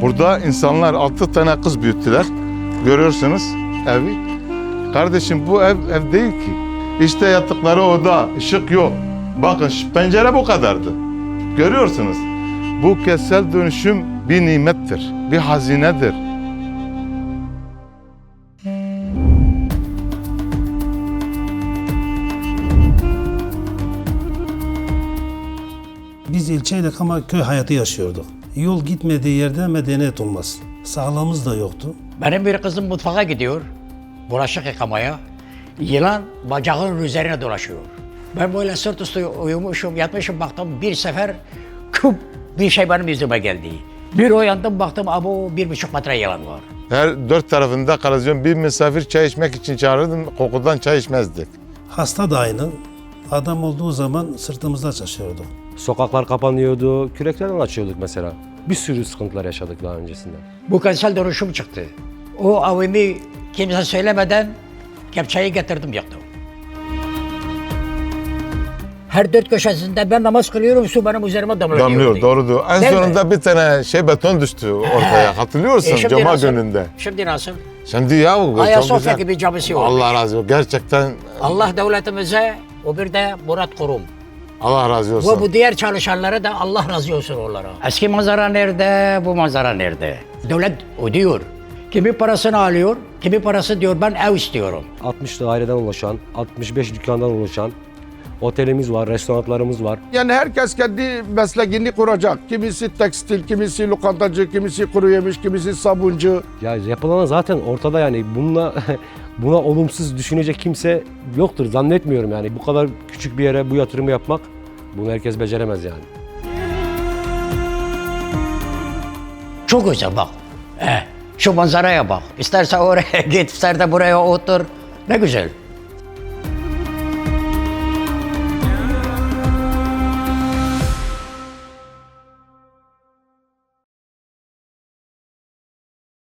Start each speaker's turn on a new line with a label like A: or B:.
A: Burada insanlar 6 tane kız büyüttüler. Görüyorsunuz evi. Kardeşim bu ev değil ki. İşte yattıkları oda, ışık yok. Bakın pencere bu kadardı. Görüyorsunuz. Bu kentsel dönüşüm bir nimettir, bir hazinedir.
B: Biz ilçeydik ama köy hayatı yaşıyorduk. Yol gitmediği yerde medeniyet olmaz. Sağlığımız da yoktu.
C: Benim bir kızım mutfağa gidiyor, bulaşık yıkamaya. Yılan bacağının üzerine dolaşıyor. Ben böyle sırt üstü uyumuşum, yatmışım, baktım bir sefer küp bir şey benim yüzüme geldi. Bir uyandım, baktım abo 1,5 metre yılan var.
A: Her 4 tarafında kanalizasyon, bir misafir çay içmek için çağırırdım, kokudan çay içmezdik.
B: Hasta da aynı. Adam olduğu zaman sırtımızda çalışıyordu.
D: Sokaklar kapanıyordu, küreklerden açıyorduk mesela. Bir sürü sıkıntılar yaşadık daha öncesinde.
C: Bu kentsel dönüşüm çıktı. O avimi kimse söylemeden kepçeyi getirdim yaktım. Her 4 köşesinde ben namaz kılıyorum, su benim üzerime damlıyor.
A: Damlıyor, doğrudur. En
C: Değil
A: sonunda
C: mi?
A: bir tane beton düştü ortaya. Hatırlıyorsun
C: Şimdi
A: Cuma
C: nasıl?
A: gününde.
C: Şimdi nasıl?
A: Şimdi ya bu çok
C: Ayasofya
A: güzel.
C: gibi camisi olmuş.
A: Allah razı olsun. Gerçekten
C: Allah devletimize, o bir de Murat Kurum.
A: Allah razı olsun.
C: Ve bu diğer çalışanlara da Allah razı olsun onlara. Eski manzara nerede, bu manzara nerede? Devlet ödüyor. Kimi parasını alıyor, kimi parası diyor ben ev istiyorum.
D: 60 daireden oluşan, 65 dükkandan oluşan otelimiz var, restoranlarımız var.
E: Yani herkes kendi mesleğini kuracak. Kimisi tekstil, kimisi lokantacı, kimisi kuru yemiş, kimisi sabuncu.
D: Ya yapılan zaten ortada yani buna olumsuz düşünecek kimse yoktur zannetmiyorum yani. Bu kadar küçük bir yere bu yatırımı yapmak bunu herkes beceremez yani.
C: Çok güzel bak. Şu manzaraya bak. İsterse oraya git, isterse buraya otur. Ne güzel.